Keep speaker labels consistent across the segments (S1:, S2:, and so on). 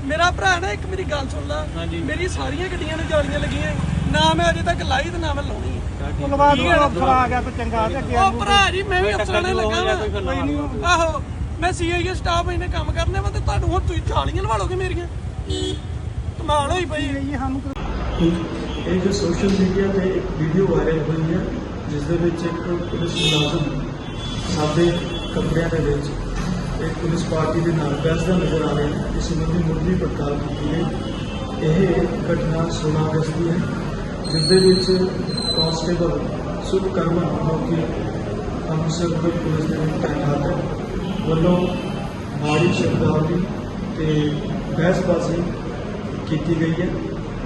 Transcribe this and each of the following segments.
S1: मेरा भरा ना एक मेरी गल सुन ला, मेरी सारियां गड्डियां नूं जालियां लगियां ना, मैं अजे तक लाई ते ना मैं लाउणी
S2: अफसर आ गया तो चंगा ते अगे
S1: ओ भरा जी मैं भी अफसरां ने लगा वा आहो मैं सीआईए स्टाफ इन्हें काम करने वा ते तुहानूं हुण तुसीं जालियां लवा लोगे मेरियां कमाल होई पई
S3: ਇਹ ਜੋ ਸੋਸ਼ਲ ਮੀਡੀਆ ਤੇ ਇੱਕ ਵੀਡੀਓ ਵਾਇਰਲ ਹੋਈ ਹੈ ਜਿਸ ਦੇ ਵਿੱਚ ਇੱਕ ਪੁਲਿਸ ਮੁਲਾਜ਼ਮ ਸਾਦੇ ਕੱਪੜਿਆਂ ਦੇ ਵਿੱਚ ਇੱਕ ਪੁਲਿਸ ਪਾਰਟੀ ਦੇ ਨਾਲ ਬਹਿਸਦਾ ਨਜ਼ਰ ਆ ਰਿਹਾ ਹੈ। ਇਸ ਸੰਬੰਧੀ ਮੁੱਢਲੀ ਪੜਤਾਲ ਕੀਤੀ ਗਈ। ਇਹ ਘਟਨਾ 16 ਅਗਸਤ ਦੀ ਹੈ ਜਿਸ ਦੇ ਵਿੱਚ ਕਾਂਸਟੇਬਲ ਸੁਖਕਰਮਨ ਜੋ ਕਿ ਅੰਮ੍ਰਿਤਸਰ ਪੁਲਿਸ ਦੇ ਵਿੱਚ ਤੈਨਾਤ ਹੈ ਵੱਲੋਂ ਮਾੜੀ ਸ਼ਬਦਾਵਲੀ ਤੇ ਬਹਿਸਬਾਜ਼ੀ ਕੀਤੀ ਗਈ ਹੈ।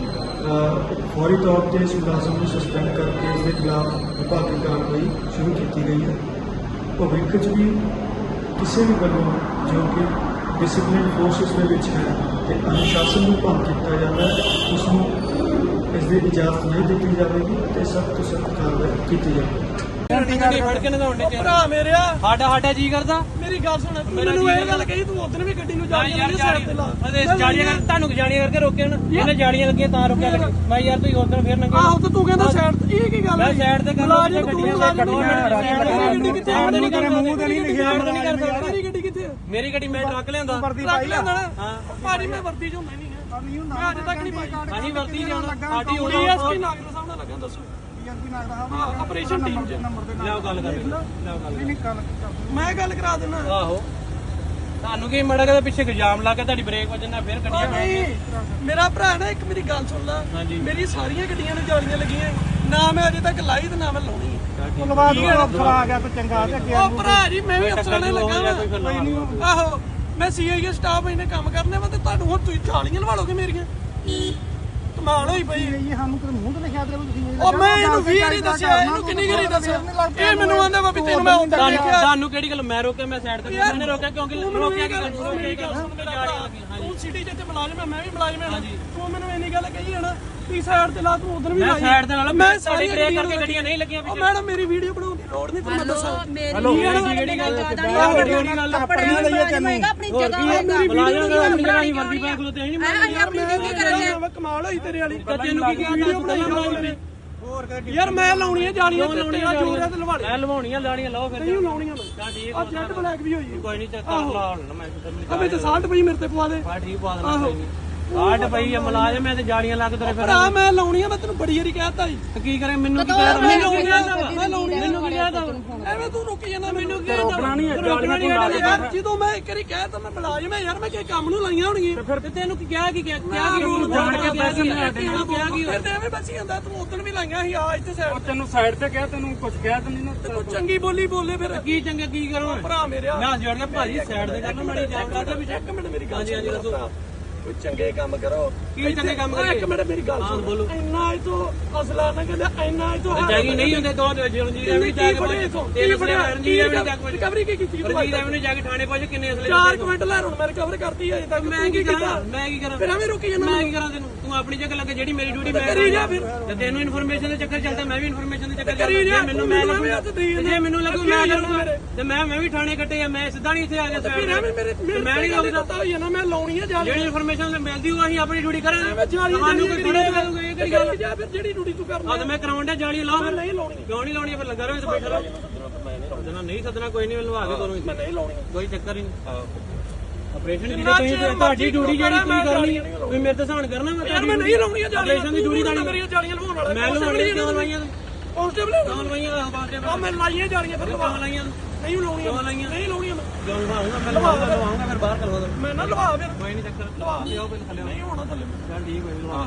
S3: फौरी तौर पर इस मुलाजम को सस्पेंड करके इसके खिलाफ विभागी कार्रवाई शुरू की गई है। भविख च भी किसी भी वालों जो कि डिसिपलिन फोर्सिस है तो अनुशासन को भंग किया जाता है उसको इसकी इजाजत नहीं दी जाएगी तो सख्त तो सख्त कार्रवाई की जाएगी।
S1: भरा मेरे
S2: साडा जी करदा
S1: मेरी गल सुन मैनूं ਇਹ ਗੱਲ ਕਹੀ ਤੂੰ ਉਧਰ ਵੀ ਗੱਡੀ ਨੂੰ ਜਾਲੀਆਂ ਸਾਈਡ ਤੇ ਲਾ
S2: ਜਾਲੀਆਂ ਕਰ ਤੁਹਾਨੂੰ ਜਾਲੀਆਂ ਕਰਕੇ ਰੋਕਿਆ ਨਾ ਇਹਨੇ ਜਾਲੀਆਂ ਲੱਗੀਆਂ ਤਾਂ ਰੋਕਿਆ ਲੱਗੇ ਮੈਂ ਯਾਰ ਤੁਸੀਂ ਉਧਰ ਫੇਰ ਨੰਗੇ
S1: ਆਹੋ ਤੇ ਤੂੰ ਕਹਿੰਦਾ ਸਾਈਡ ਤੇ ਇਹ ਕੀ ਗੱਲ
S2: ਮੈਂ ਸਾਈਡ ਤੇ ਕਰਦਾ ਗੱਡੀਆਂ
S1: ਗੱਡੀ ਕਿੱਥੇ ਆ
S2: ਨਹੀਂ ਕਰ ਮੂੰਹ ਤੇ ਨਹੀਂ ਲਿਖਿਆ
S1: ਮੇਰੀ ਗੱਡੀ ਕਿੱਥੇ ਆ
S2: ਮੇਰੀ ਗੱਡੀ ਮੈਂ ਟਰੱਕ ਲਿਆਂਦਾ
S1: ਟਰੱਕ ਲਿਆਂਦਾ ਹਾਂ ਭਾਜੀ ਮੈਂ ਵਰਦੀ ਚੋਂ ਮੈਂ ਨਹੀਂ ਮੈਂ ਅੱਜ ਤੱਕ ਨਹੀਂ ਪਾਈ
S2: ਹਾਂਜੀ ਵਰਦੀ ਜਾਣਾ ਸਾਡੀ ਹੋਣੀ
S1: ਡੀਐਸਪੀ ਨਾਗਰ ਸਾਹਿਬ ਨਾਲ ਲੱਗਾ ਦੱਸੋ ਆਪਰੇਸ਼ਨ ਟੀਮ ਚ
S2: ਲਿਆਓ ਗੱਲ ਕਰ ਲਿਆਓ ਗੱਲ
S1: ਮੈਂ ਗੱਲ ਕਰਾ ਦਿੰਦਾ
S2: ਆਹੋ ਤੁਹਾਨੂੰ ਕੀ ਮੜਾ ਕੇ ਪਿੱਛੇ ਇਲਜ਼ਾਮ ਲਾ ਕੇ ਤੁਹਾਡੀ ਬ੍ਰੇਕ ਵੱਜਣਾ ਫਿਰ ਗੱਡੀਆਂ
S1: ਨਹੀਂ ਮੇਰਾ ਭਰਾ ਨਾ ਇੱਕ ਮੇਰੀ ਗੱਲ ਸੁਣ ਲਾ ਮੇਰੀ ਸਾਰੀਆਂ ਗੱਡੀਆਂ ਨੂੰ ਜਾਲੀਆਂ ਲੱਗੀਆਂ ਨਾ ਮੈਂ ਅਜੇ ਤੱਕ ਲਾਈ ਤੇ ਨਾ ਮੈਂ ਲਾਉਣੀ
S2: ਅਫਸਰ ਆ ਗਿਆ ਤਾਂ ਚੰਗਾ ਤੇ ਅੱਗੇ
S1: ਉਹ ਭਰਾ ਜੀ ਮੈਂ ਵੀ ਅਫਸਰਾਂ ਨੇ ਲੱਗਾ ਵਾ ਆਹੋ ਮੈਂ ਸੀਆਈਏ ਸਟਾਫ ਇਹਨੇ ਕੰਮ ਕਰਨੇ ਵਾ ਤੇ ਤੁਹਾਨੂੰ ਹੁਣ ਤੁਸੀਂ ਜਾਲੀਆਂ ਲਵਾ ਲੋਗੇ ਮੇਰੀਆਂ ਕਮਾਲ ਹੋਈ ਪਈ
S2: ਇਹ ਸਾਨੂੰ ਤੇ ਮੂੰਹ ਤੇ ਲਿਖਿਆ ਤੇ ਤੁਸੀਂ
S1: ਉਹ ਮੈਂ ਇਹਨੂੰ ਵੀ ਨਹੀਂ ਦੱਸਿਆ ਇਹਨੂੰ ਕਿੰਨੀ ਗਰੀ ਦੱਸਿਆ ਇਹ ਮੈਨੂੰ ਆਂਦਾ ਵਾ ਵੀ ਤੈਨੂੰ ਮੈਂ ਉੱਧਰ ਦੇਖਿਆ
S2: ਤੁਹਾਨੂੰ ਕਿਹੜੀ ਗੱਲ ਮੈਂ ਰੋਕਿਆ ਮੈਂ ਸਾਈਡ ਤੇ ਮੈਨੇ ਰੋਕਿਆ ਕਿਉਂਕਿ ਰੋਕਿਆ
S1: ਤੂੰ ਸਿਟੀ ਜਿੱਥੇ ਮੁਲਾਜ਼ਮ ਹੈ ਮੈਂ ਵੀ ਮੁਲਾਜ਼ਮ ਹਾਂ ਤੂੰ ਮੈਨੂੰ ਇੰਨੀ ਗੱਲ ਕਹੀ ਹੈ ਨਾ ਤੀ ਸਾਈਡ ਤੇ ਲਾ ਤੂੰ ਉਧਰ ਵੀ
S2: ਮੈਂ ਸਾਈਡ ਤੇ ਨਾਲ
S1: ਮੈਂ
S2: ਸਾਡੀ ਬ੍ਰੇਕ ਕਰਕੇ ਗੱਡੀਆਂ ਨਹੀਂ ਲੱਗੀਆਂ
S1: ਪਿੱਛੇ ਮੈਡਮ ਮੇਰੀ ਵੀਡੀਓ ਬਣਾਉਣ ਦੀ ਲੋੜ ਨਹੀਂ ਤੁਹਾਨੂੰ ਦੱਸਾਂ
S2: ਹੈਲੋ ਕਿਹੜੀ ਗੱਲ ਕਿਹੜੀ ਗੱਲ
S4: ਕੱਪੜਿਆਂ ਲਈ ਤੈਨੂੰ ਆਪਣੀ ਜਗ੍ਹਾ ਹੋਏਗਾ
S2: ਮੁਲਾਜ਼ਮ ਆਪਣੀ ਜਗ੍ਹਾ ਹੀ ਵਰਦੀ ਪਾ ਖਲੋਤੇ ਨਹੀਂ
S4: ਅਸੀਂ ਆਪਣੀ ਡਿਊਟੀ ਕਰਾਂਗੇ
S1: ਕਮਾਲ ਹੋਈ ਤੇਰੇ ਵਾਲੀ
S2: ਤੈਨੂੰ ਕੀ
S1: ਵੀਡੀਓ ਬਣਾਈ ਯਾਰ ਮੈਂ ਲਾਉਣੀਆਂ ਜਾਲੀਆਂ ਤੇਰਾ ਜੋਰ ਹੈ ਤੇ ਲਵਾ ਲੈ
S2: ਮੈਂ ਲਵਾਉਣੀਆਂ ਲਾਣੀਆਂ ਲਾਓ ਫਿਰ
S1: ਨਹੀਂ ਲਾਉਣੀਆਂ ਮੈਂ
S2: ਤਾਂ ਠੀਕ
S1: ਆ ਜੈਟ ਬਲੈਕ ਵੀ ਹੋਈ
S2: ਕੋਈ ਨਹੀਂ ਚੱਕ ਲਾ ਹੁਣ ਮੈਂ
S1: ਅਬੇ ਤੇ 60 ਪਈ ਮੇਰੇ ਤੇ ਪਵਾ ਦੇ
S2: ਬਾ ਠੀਕ ਪਾ ਦੇਣਾ ਕੋਈ ਨਹੀਂ 60 ਪਈ ਆ ਮੁਲਾਜ਼ਮ ਐ ਤੇ ਜਾਲੀਆਂ ਲੱਗ ਤੇਰੇ ਫਿਰ
S1: ਭਰਾ ਮੈਂ ਲਾਉਣੀਆਂ ਮੈਂ ਤੈਨੂੰ ਬੜੀ ਵਾਰੀ ਕਹਿਤਾ ਜੀ
S2: ਤੇ ਕੀ ਕਰੇ ਮੈਨੂੰ ਕੀ ਕਹਿ ਮੈਨੂੰ ਕੀ ਕਹਿਦਾ
S1: ਮੈਂ ਲਾਉਣੀ
S2: ਮੈਨੂੰ ਕੀ ਕਹਿਦਾ
S1: ਐਵੇਂ ਤੂੰ ਰੁਕੀ ਜਾਂਦਾ ਮੈਨੂੰ ਕੀ
S2: ਰੋਕਣਾ ਨਹੀਂ
S1: ਰੋਕਣਾ ਨਹੀਂ ਯਾਰ ਜਦੋਂ ਮੈਂ ਇੱਕ ਵਾਰੀ ਕਹਿਤਾ ਮੈਂ ਮੁਲਾਜ਼ਮ ਹੈ ਯਾਰ ਮੈਂ ਕੀ ਕੰਮ ਨੂੰ ਲਾਈਆਂ ਹੋਣਗੀਆਂ
S2: ਫਿਰ ਤੈਨੂੰ ਕੀ ਕਿਹਾ ਕੀ ਜਾਣ ਕੇ ਪੈਸੇ ਨਹੀਂ ਆਦੇ
S1: ਕਿਹਾ ਕੀ ਫਿਰ ਤੇ ਐਵੇਂ ਬਚੀ ਜਾਂਦਾ ਤੂੰ ਉਦੋਂ ਵੀ ਲਾਈਆਂ ਸੀ ਆ ਇੱਥੇ ਸਾਈਡ
S2: ਤੈਨੂੰ ਸਾਈਡ ਤੇ ਕਿਹਾ ਤੈਨੂੰ ਕੁਝ ਕਿਹਾ ਤੈਨੂੰ ਨਾ
S1: ਤੂੰ ਚੰਗੀ ਬੋਲੀ ਬੋਲੇ ਫਿਰ
S2: ਕੀ ਚੰਗਾ ਕੀ ਕਰੋ
S1: ਭਰਾ ਮੇਰਿਆ
S2: ਮੈਂ ਜੋੜ ਕੇ ਭਾਜੀ ਸਾਈਡ ਤੇ ਕਰਨਾ ਮਾੜੀ ਜਾਣਦਾ ਤੇ ਵੀ
S1: ਇੱਕ ਮਿੰਟ ਮੇਰੀ ਗੱਲ
S2: ਹਾਂਜੀ ਦੱਸੋ
S1: ਕੋਈ ਚੰਗੇ ਕੰਮ ਕਰੋ
S2: ਕੀ ਚੰਗੇ ਕੰਮ ਕਰੀਏ
S1: ਇੱਕ ਮਿੰਟ ਮੇਰੀ ਗੱਲ ਸੁਣ ਬੋਲੋ ਇੰਨਾ ਇਹ ਤੋਂ ਅਸਲਾ ਨਾ ਕਹਿੰਦਾ ਇੰਨਾ ਇਹ ਤੋਂ
S2: ਜਾਗੀ ਨਹੀਂ ਹੁੰਦੇ ਤੋਂ ਰਣਜੀਤ ਐਵੇਂ ਜਾ ਕੇ ਤੇਰੇ ਬੜੇ ਰਣਜੀਤ ਐਵੇਂ ਜਾ ਕੇ
S1: ਰਿਕਵਰੀ ਕੀ ਕੀਤੀ
S2: ਰਣਜੀਤ ਐਵੇਂ ਜਾ ਕੇ ਥਾਣੇ ਪਹੁੰਚ ਕਿੰਨੇ ਅਸਲੇ
S1: 4 ਮਿੰਟ ਲੈ ਹੁਣ ਮੈਂ ਰਿਕਵਰ ਕਰਤੀ ਅਜੇ ਤੱਕ
S2: ਮੈਂ ਕੀ ਕਰਾਂ
S1: ਫਿਰ ਐਵੇਂ ਰੁਕੀ ਜਾਂਦਾ
S2: ਮੈਂ ਕੀ ਕਰਾਂ ਤੈਨੂੰ ਤੂੰ ਆਪਣੀ ਜਗ੍ਹਾ ਲੱਗੇ ਜਿਹੜੀ ਮੇਰੀ ਡਿਊਟੀ ਮੈਂ
S1: ਕਰੀ ਜਾ ਫਿਰ
S2: ਤੇ ਤੈਨੂੰ ਇਨਫੋਰਮੇਸ਼ਨ ਦੇ ਚੱਕਰ ਚੱਲਦਾ ਮੈਂ ਵੀ ਇਨਫੋਰਮੇਸ਼ਨ ਦੇ ਚੱਕਰ
S1: ਕਰੀ ਜਾ
S2: ਮੈਨੂੰ ਮੈਂ ਜੇ ਮੈਨੂੰ ਲੱਗੂ ਮੈਂ ਕਰੂੰਗਾ ਤੇ ਮੈਂ ਵੀ ਥਾਣੇ ਕੱਟੇ ਆ ਮੈਂ ਸਿੱਧਾ ਨਹੀਂ ਇੱਥੇ ਆ ਗਿਆ
S1: ਫਿਰ ਐਵੇਂ ਮੇਰੇ
S2: ਮੈਂ ਨਹੀਂ
S1: ਲੱਗਦਾ ਹੋਈ ਨਾ ਮੈਂ ਲਾਉਣੀ ਆ ਜਾ
S2: ਜਿਹੜੀ ਇਨਫੋਰਮੇਸ਼ਨ ਮਿਲਦੀ ਉਹ ਅਸੀਂ ਆਪਣੀ ਡਿਊਟੀ ਕਰਾਂਗੇ
S1: ਮੈਂ ਜਾਲੀ
S2: ਤੁਹਾਨੂੰ ਕੋਈ ਥੋੜਾ ਕਰੂਗਾ ਇਹ ਕਿਹੜੀ ਗੱਲ
S1: ਜਾ ਫਿਰ ਜਿਹੜੀ ਡਿਊਟੀ ਤੂੰ ਕਰਨਾ
S2: ਆ ਤੇ ਮੈਂ ਕਰਾਉਣ ਦਾ ਜਾਲੀ ਲਾਓ
S1: ਮੈਂ ਨਹੀਂ ਲਾਉਣੀ
S2: ਕਿਉਂ ਨਹੀਂ ਲਾਉਣੀ ਫਿਰ ਲੱਗਾ ਰਹੋ ਇੱਥੇ ਬੈਠਾ ਰਹੋ ਸੱਦਣਾ ਨਹੀਂ ਸੱਦਣਾ ਕੋਈ ਨਹੀਂ ਲਵਾ ਕੇ ਦੋਨੋਂ
S1: ਮੈਂ ਨਹੀਂ ਲਾਉਣੀ
S2: ਕੋਈ ਚੱਕਰ ਹੀ ਨਹੀਂ ਆਪਰੇਸ਼ਨ ਦੀ ਤੁਸੀਂ ਤੁਹਾਡੀ ਡਿਊਟੀ ਜਿਹੜੀ ਤੁਸੀਂ ਕਰਨੀ ਤੁਸੀਂ ਮੇਰੇ ਤੇ ਸਹਾਨ ਕਰਨਾ
S1: ਮੈਂ ਨਹੀਂ ਲਾਉਣੀ ਜਾਲੀਆਂ
S2: ਆਪਰੇਸ਼ਨ ਦੀ ਡਿਊਟੀ ਤਾਂ
S1: ਮੇਰੀਆਂ ਜਾਲੀਆਂ ਲਵਾਉਣ ਵਾਲਾ
S2: ਮੈਂ ਲਵਾਉਣੀ ਕਿਉਂ ਲਵਾਈਆਂ
S1: ਕਾਂਸਟੇਬਲ
S2: ਕਿਉਂ ਲਵਾਈਆਂ
S1: ਆ ਮੈਂ ਲਾਈਆਂ ਜਾਲੀਆਂ ਫਿਰ
S2: ਕਿਉਂ ਲਾਈਆਂ
S1: ਨਹੀਂ ਲਾਉਣੀਆਂ ਨਹੀਂ ਲਾਉਣੀਆਂ
S2: ਕਿਉਂ ਲਵਾਉਂਗਾ ਮੈਂ ਲਵਾਉਂਗਾ ਫਿਰ ਬਾਹਰ ਕਰਵਾ ਦੋ
S1: ਮੈਂ ਨਾ ਲਵਾ ਫਿਰ
S2: ਕੋਈ ਨਹੀਂ ਚੱਕਰ
S1: ਲਵਾ
S2: ਲਿਆਓ ਪਹਿਲੇ ਥੱਲੇ
S1: ਨਹੀਂ ਹੋਣਾ ਥੱਲੇ
S2: ਚੱਲ ਠੀਕ ਹੋਈ ਲਵਾ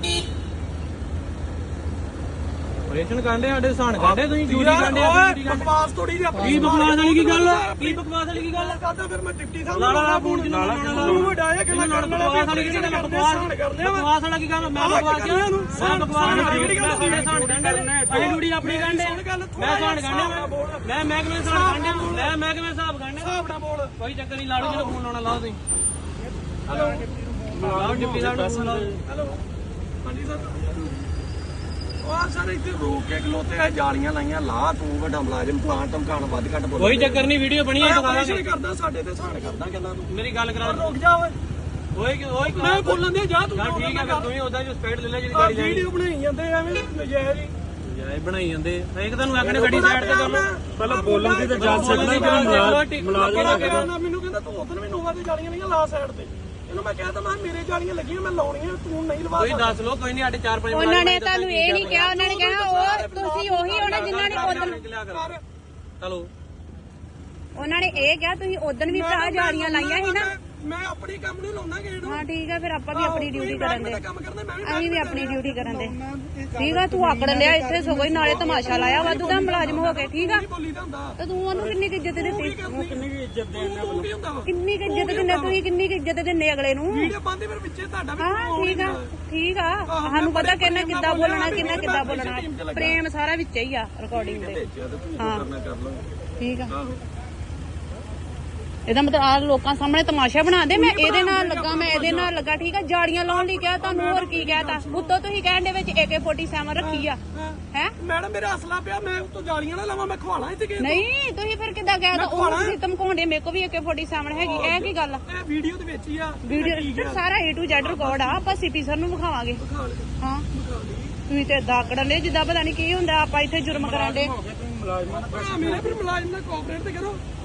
S2: ਆਪਰੇਸ਼ਨ ਕਾਂਡੇ ਸਾਡੇ ਸਹਾਨ ਕਾਂਡੇ ਤੁਸੀਂ ਡਿਊਟੀ ਕਾਂਡੇ
S1: ਬਕਵਾਸ ਥੋੜੀ ਜਿਹੀ ਆਪਣੀ
S2: ਕੀ ਬਕਵਾਸ ਵਾਲੀ ਕੀ ਗੱਲ ਕੀ ਬਕਵਾਸ ਵਾਲੀ ਕੀ ਗੱਲ
S1: ਕਰਦਾ ਫਿਰ ਮੈਂ ਡਿਪਟੀ ਸਾਹਿਬ
S2: ਲਾਲਾ ਫੋਨ ਜਿਹਨੂੰ ਲਾਲਾ
S1: ਤੂੰ ਵਡਾਇਆ ਕਿ ਮੈਂ ਕਰਨ
S2: ਬਕਵਾਸ ਵਾਲੀ ਕੀ ਗੱਲ ਬਕਵਾਸ ਵਾਲਾ ਕੀ ਗੱਲ ਮੈਂ ਬਕਵਾਸ ਕਿਹਾ ਮੈਂ ਬਕਵਾਸ ਵਾਲੀ ਸਹਾਨ ਕਾਂਡੇ ਅਸੀਂ ਡਿਊਟੀ ਆਪਣੀ ਕਾਂਡੇ ਮੈਂ ਸਹਾਨ ਕਾਂਡੇ ਮੈਂ ਮਹਿਕਮੇ ਸਹਾਨ ਕਾਂਡੇ ਮੈਂ ਮਹਿਕਮੇ ਹਿਸਾਬ ਕਾਂਡੇ
S1: ਹਿਸਾਬ ਨਾਲ ਬੋਲ
S2: ਕੋਈ ਚੱਕਰ ਨਹੀਂ ਲਾੜੂ ਜਿਹਨੂੰ ਫੋਨ ਲਾਉਣਾ ਲਾਓ ਤੁਸੀਂ ਹੈਲੋ ਲਾਓ ਡਿਪਟੀ ਸਾਹਿਬ ਨੂੰ ਫੋਨ ਲਾਓ
S1: ਹੈਲੋ ਹਾਂਜੀ ਸਰ ਉਹ ਸਰ ਇੱਥੇ ਰੋਕ ਕੇ ਖਲੋਤੇ ਆ ਜਾਲੀਆਂ ਲਾਈਆਂ ਲਾ ਤੂੰ ਵੱਡਾ ਮੁਲਾਜ਼ਮ ਪਲਾਂਟ ਧਮਕਾਣ ਵੱਧ ਘੱਟ ਬੋਲ
S2: ਕੋਈ ਚੱਕਰ ਨਹੀਂ ਵੀਡੀਓ ਬਣੀ ਹੈ
S1: ਆਪਰੇਸ਼ਨ ਕਰਦਾ ਸਾਡੇ ਤੇ ਸਹਾਨ ਕਰਦਾ ਕਹਿੰਦਾ ਤੂੰ
S2: ਮੇਰੀ ਗੱਲ ਕਰਾ
S1: ਰੁਕ ਜਾ ਓਏ
S2: ਓਏ
S1: ਮੈਂ ਬੋਲਣ ਦੇ ਜਾ ਤੂੰ
S2: ਠੀਕ ਹੈ, ਤੂੰ ਹੀ ਉਹਦਾ ਜੋ ਸਪੀਡ ਲੈ ਲੈ ਜਿਹੜੀ ਗਾੜੀ
S1: ਵੀਡੀਓ ਬਣਾਈ ਜਾਂਦੇ ਐਵੇਂ ਨਜਾਇਜ਼ ਹੀ
S2: ਜਾਏ ਬਣਾਈ ਜਾਂਦੇ ਇੱਕ ਤੁਹਾਨੂੰ ਆਖਣੇ ਗੱਡੀ ਸਾਈਡ ਤੇ ਕਰ ਲਓ
S3: ਪਹਿਲਾਂ ਬੋਲਣ ਦੀ ਤਾਂ ਜਾ ਸਕਦਾ
S1: ਮੁਲਾਜ਼ਮ ਮੈਨੂੰ ਕਹਿੰਦਾ ਤੂੰ ਉਧਰ ਵੀ ਨੋਵਾ ਤੇ ਜਾਲੀਆਂ ਨਹੀਂ ਲਾ ਸਾਈਡ ਤੇ ਇਹਨੂੰ ਮੈਂ ਕਹਿੰਦਾ ਮੈਂ ਮੇਰੇ ਜਾਲੀਆਂ ਲੱਗੀਆਂ ਮੈਂ ਲਾਉਣੀਆਂ ਤੂੰ ਨਹੀਂ ਲਵਾ
S2: ਕੋਈ ਦੱਸ ਲੋ ਕੋਈ ਨਹੀਂ ਸਾਡੇ 4-5
S4: ਉਹਨਾਂ ਨੇ ਤੁਹਾਨੂੰ ਇਹ ਨਹੀਂ ਕਿਹਾ, ਉਹਨਾਂ ਨੇ ਕਹਿਣਾ ਉਹ ਤੁਸੀਂ ਉਹੀ ਹੋਣਾ ਜਿਨ੍ਹਾਂ ਨੇ ਉਦੋਂ
S2: ਚਲੋ
S4: ਉਹਨਾਂ ਨੇ ਇਹ ਕਿਹਾ ਤੁਸੀਂ ਉਦੋਂ ਵੀ ਭਰਾ ਜਾਲੀਆਂ ਲਾਈਆਂ ਸੀ ਨਾ।
S1: ਮੈਂ ਆਪਣੀ ਕੰਮ ਨਹੀਂ ਲਾਉਣਾ ਗੇੜ
S4: ਹਾਂ ਠੀਕ ਆ, ਫਿਰ ਆਪਾਂ ਵੀ ਆਪਣੀ ਡਿਊਟੀ ਕਰਨ ਦੇ,
S1: ਕੰਮ ਕਰਦਾ ਮੈਂ ਵੀ
S4: ਅਸੀਂ ਵੀ ਆਪਣੀ ਡਿਊਟੀ ਕਰਨ ਦੇ। ਠੀਕ ਆ, ਤੂੰ ਆਕੜ ਲਿਆ ਇੱਥੇ ਸਗੋਂ ਹੀ ਨਾਲੇ ਤਮਾਸ਼ਾ ਲਾਇਆ ਵਾਧੂ ਦਾ ਮੁਲਾਜ਼ਮ ਹੋ ਕੇ। ਠੀਕ ਆ,
S1: ਬੋਲੀ ਦਾ ਹੁੰਦਾ
S4: ਤੇ ਤੂੰ ਉਹਨੂੰ ਕਿੰਨੀ ਕੁ ਇੱਜ਼ਤ ਦਿੱਤੀ,
S1: ਕਿੰਨੀ ਵੀ ਇੱਜ਼ਤ ਦੇਣਾ ਤੂੰ ਕੀ ਹੁੰਦਾ ਵਾ
S4: ਕਿੰਨੀ ਕੁ ਇੱਜ਼ਤ ਦਿੰਦੇ ਤੁਸੀਂ, ਕਿੰਨੀ ਕੁ ਇੱਜ਼ਤ ਦਿੰਦੇ ਅਗਲੇ ਨੂੰ।
S1: ਵੀਡੀਓ ਬੰਦੇ ਫਿਰ ਵਿੱਚੇ ਤੁਹਾਡਾ ਵੀ
S4: ਹਾਂ ਠੀਕ ਆ, ਠੀਕ ਆ, ਸਾਨੂੰ ਪਤਾ ਕਿੰਨਾ ਕਿੱਦਾਂ ਬੋਲਣਾ ਕਿੰਨਾ ਕਿੱਦਾਂ ਬੋਲਣਾ, ਪ੍ਰੇਮ ਸਾਰਾ ਵਿੱਚ ਹੀ ਆ ਰਿਕਾਰਡਿੰਗ ਦੇ। ਹਾਂ ਠੀਕ ਆ, ਇਹਦਾ ਮਤਲਬ ਆ ਲੋਕਾਂ ਸਾਹਮਣੇ ਤਮਾਸ਼ਾ ਬਣਾ ਦੇ। ਮੈਂ ਇਹਦੇ ਨਾਲ ਲੱਗਾ, ਮੈਂ ਇਹਦੇ ਨਾਲ ਲੱਗਾ। ਠੀਕ ਆ, ਜਾੜੀਆਂ ਲਾਉਣ ਲਈ ਕਿਹਾ ਤੁਹਾਨੂੰ, ਹੋਰ ਕੀ ਕਹਿਤਾ। ਉੱਤੋਂ ਤੁਸੀਂ ਕਹਿਣ ਦੇ ਵਿੱਚ AK-47 ਰੱਖੀ ਆ ਹੈ।
S1: ਮੈਡਮ ਮੇਰਾ ਅਸਲਾ ਪਿਆ, ਮੈਂ ਉੱਤੋਂ ਜਾਲੀਆਂ ਨਾ ਲਾਵਾਂ, ਮੈਂ ਖਵਾਣਾ ਇੱਥੇ ਕਿਸੇ
S4: ਨਹੀਂ ਤੁਸੀਂ ਫਿਰ ਕਿੱਦਾਂ ਕਹਿਤਾ, ਉਹ ਤੁਸੀਂ ਧਮਕਾਉਂਦੇ। ਮੇਰੇ ਕੋ ਵੀ AK-47 ਹੈਗੀ, ਇਹ ਕੀ ਗੱਲ ਆ।
S1: ਇਹ ਵੀਡੀਓ ਦੇ ਵਿੱਚ ਹੀ ਆ
S4: ਵੀਡੀਓ ਸਾਰਾ A to Z ਰਿਕਾਰਡ ਆ, ਆਪਾਂ ਸਿਟੀ ਸਰ ਨੂੰ ਵਿਖਾਵਾਂਗੇ। ਹਾਂ ਤੁਸੀਂ ਤੇ ਏਦਾਂ ਆਕੜਨ ਲਈ ਜਿੱਦਾਂ ਪਤਾ ਨਹੀਂ ਕੀ ਹੁੰਦਾ, ਆਪਾਂ ਇੱਥੇ ਜੁਰਮ ਕਰਾਂਗੇ।
S1: ਮੇਰੇ ਫਿਰ ਮੁਲਾਜ਼ਮ ਨਾਲ ਕੋਆਪਰੇਟ ਤੇ ਕਰੋ।